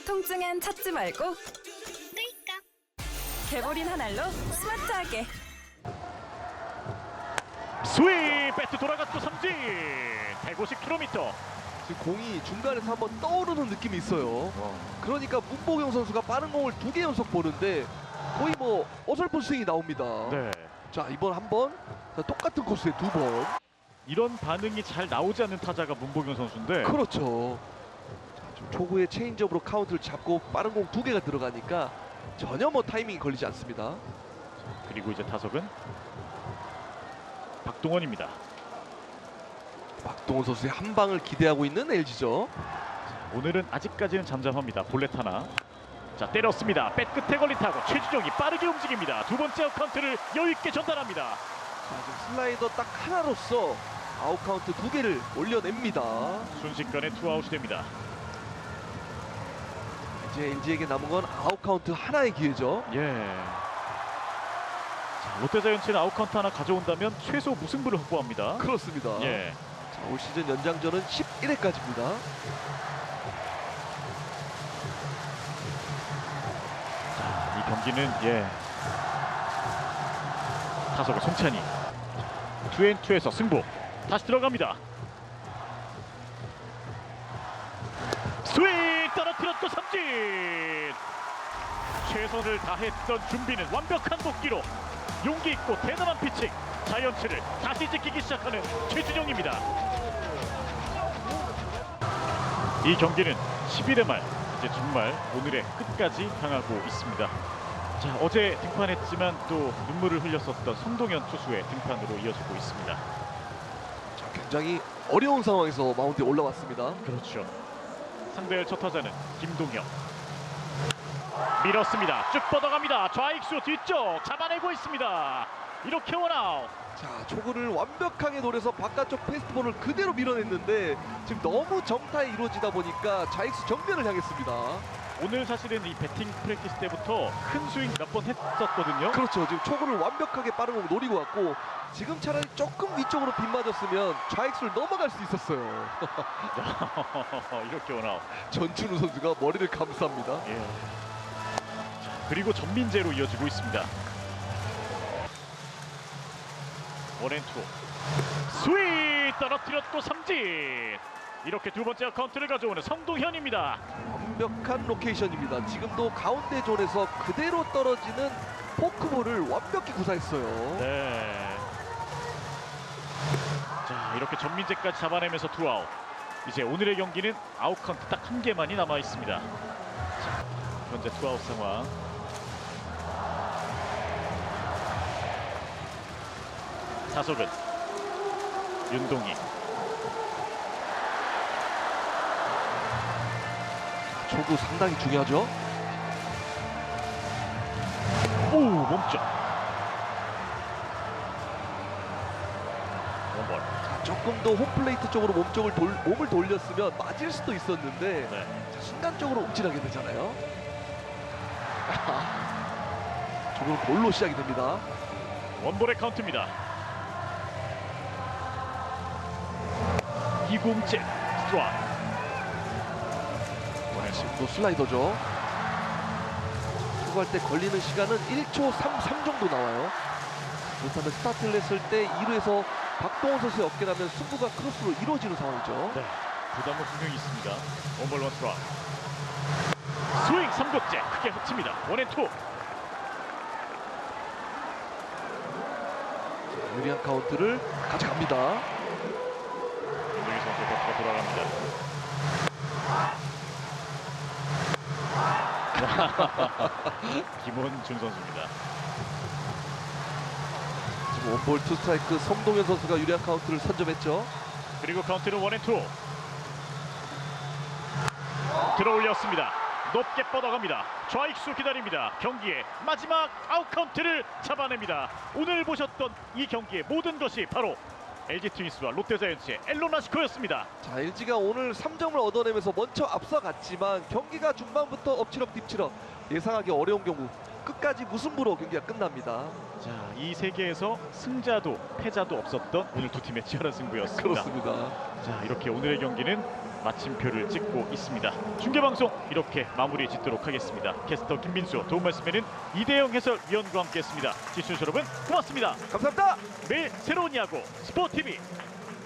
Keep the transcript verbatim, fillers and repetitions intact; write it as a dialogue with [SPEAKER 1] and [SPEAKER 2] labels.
[SPEAKER 1] 통증엔 찾지 말고
[SPEAKER 2] 끌까?
[SPEAKER 1] 개보린 한 알로 스마트하게.
[SPEAKER 3] 스윙! 배트 돌아갔고 삼진! 백오십 킬로미터.
[SPEAKER 4] 지금 공이 중간에서 한번 떠오르는 느낌이 있어요. 그러니까 문보경 선수가 빠른 공을 두 개 연속 보는데 거의 뭐 어설픈 스윙이 나옵니다.
[SPEAKER 3] 네.
[SPEAKER 4] 자, 이번 한 번, 자, 똑같은 코스에 두 번.
[SPEAKER 3] 이런 반응이 잘 나오지 않는 타자가 문보경 선수인데
[SPEAKER 4] 그렇죠. 자, 좀 초구에 체인지업으로 카운트를 잡고 빠른 공 두 개가 들어가니까 전혀 뭐 타이밍이 걸리지 않습니다.
[SPEAKER 3] 그리고 이제 타석은 박동원입니다.
[SPEAKER 4] 박동원 선수의 한 방을 기대하고 있는 엘지죠.
[SPEAKER 3] 오늘은 아직까지는 잠잠합니다. 볼넷 하나. 자, 때렸습니다. 백 끝에 걸린 타고 최준용이 빠르게 움직입니다. 두 번째 아웃 카운트를 여유 있게 전달합니다.
[SPEAKER 4] 자, 지금 슬라이더 딱 하나로서 아웃 카운트 두 개를 올려냅니다.
[SPEAKER 3] 순식간에 투아웃이 됩니다.
[SPEAKER 4] 이제 엘지에게 남은 건 아웃 카운트 하나의 기회죠.
[SPEAKER 3] 예. 자, 롯데자이언츠는 아웃 카운트 하나 가져온다면 최소 무승부를 확보합니다.
[SPEAKER 4] 그렇습니다.
[SPEAKER 3] 예.
[SPEAKER 4] 자, 올 시즌 연장전은 십일 회까지입니다.
[SPEAKER 3] 자, 이 경기는 예. 타석의 송찬이 투앤투에서 승부. 다시 들어갑니다. 스윙! 떨어뜨렸고 삼진! 최선을 다했던 준비는 완벽한 복귀로 용기 있고 대단한 피칭. 자이언츠를 다시 지키기 시작하는 최준용입니다. 이 경기는 십일 회 말 이제 정말 오늘의 끝까지 향하고 있습니다. 자, 어제 등판했지만 또 눈물을 흘렸었던 성동현 투수의 등판으로 이어지고 있습니다.
[SPEAKER 4] 자, 굉장히 어려운 상황에서 마운드에 올라왔습니다.
[SPEAKER 3] 그렇죠. 상대의 첫 타자는 김동혁. 밀었습니다. 쭉 뻗어갑니다. 좌익수 뒤쪽 잡아내고 있습니다. 이렇게 원아웃.
[SPEAKER 4] 자, 초구를 완벽하게 노려서 바깥쪽 패스트볼을 그대로 밀어냈는데 지금 너무 정타에 이루어지다 보니까 좌익수 정면을 향했습니다.
[SPEAKER 3] 오늘 사실은 이 배팅 프랙티스 때부터 큰 스윙 몇 번 했었거든요.
[SPEAKER 4] 그렇죠. 지금 초구를 완벽하게 빠른 공 노리고 왔고 지금 차라리 조금 위쪽으로 빗 맞았으면 좌익수를 넘어갈 수 있었어요.
[SPEAKER 3] 이렇게 원아웃.
[SPEAKER 4] 전춘우 선수가 머리를 감쌉니다.
[SPEAKER 3] 예. 자, 그리고 전민재로 이어지고 있습니다. 원앤투. 스윙! 떨어뜨렸고 삼진! 이렇게 두 번째 카운트를 가져오는 성동현입니다.
[SPEAKER 4] 완벽한 로케이션입니다. 지금도 가운데 존에서 그대로 떨어지는 포크볼을 완벽히 구사했어요.
[SPEAKER 3] 네. 자, 이렇게 전민재까지 잡아내면서 투아웃. 이제 오늘의 경기는 아웃 카운트 딱 한 개만이 남아 있습니다. 자, 현재 투아웃 상황. 타석은 윤동희.
[SPEAKER 4] 초구 상당히 중요하죠.
[SPEAKER 3] 오, 몸쪽. 원볼.
[SPEAKER 4] 자, 조금 더 홈플레이트 쪽으로 몸쪽을 돌, 몸을 돌렸으면 맞을 수도 있었는데
[SPEAKER 3] 네.
[SPEAKER 4] 자, 순간적으로 움찔하게 되잖아요. 조금 볼로 시작이 됩니다.
[SPEAKER 3] 원볼의 카운트입니다. 이공째 스트라이크.
[SPEAKER 4] 지금도 슬라이더죠. 초구할 때 걸리는 시간은 일 초 삼십삼 정도 나와요. 그렇다면 스타트를 했을 때 이 루에서 박동원 선수의 어깨라면 승부가 크로스로 이루어지는 상황이죠.
[SPEAKER 3] 네, 부담은 분명히 있습니다. 원볼 원 스트라이크. 스윙 삼 구째 크게 흡칩니다. 원앤투.
[SPEAKER 4] 유리한 카운트를 가져갑니다.
[SPEAKER 3] 윤동희 선수 버트가 돌아갑니다. 김원준 선수입니다.
[SPEAKER 4] 지금 원볼 투 스트라이크 성동현 선수가 유리한 카운트를 선점했죠.
[SPEAKER 3] 그리고 카운트는 원앤투. 들어올렸습니다. 높게 뻗어갑니다. 좌익수 기다립니다. 경기의 마지막 아웃 카운트를 잡아냅니다. 오늘 보셨던 이 경기의 모든 것이 바로 엘지 트윈스와 롯데자이언츠의 엘로나시코였습니다.
[SPEAKER 4] 자, 엘지가 오늘 삼 점을 얻어내면서 먼저 앞서갔지만 경기가 중반부터 엎치락 뒤치락 예상하기 어려운 경우 끝까지 무승부로 경기가 끝납니다.
[SPEAKER 3] 자, 이 세계에서 승자도 패자도 없었던 오늘 두 팀의 치열한 승부였습니다.
[SPEAKER 4] 그렇습니다.
[SPEAKER 3] 자, 이렇게 오늘의 경기는 마침표를 찍고 있습니다. 중계방송 이렇게 마무리 짓도록 하겠습니다. 캐스터 김민수, 도움 말씀에는 이대영 해설위원과 함께했습니다. 시청자 여러분 고맙습니다.
[SPEAKER 4] 감사합니다.
[SPEAKER 3] 매일 새로운 야구 스포티비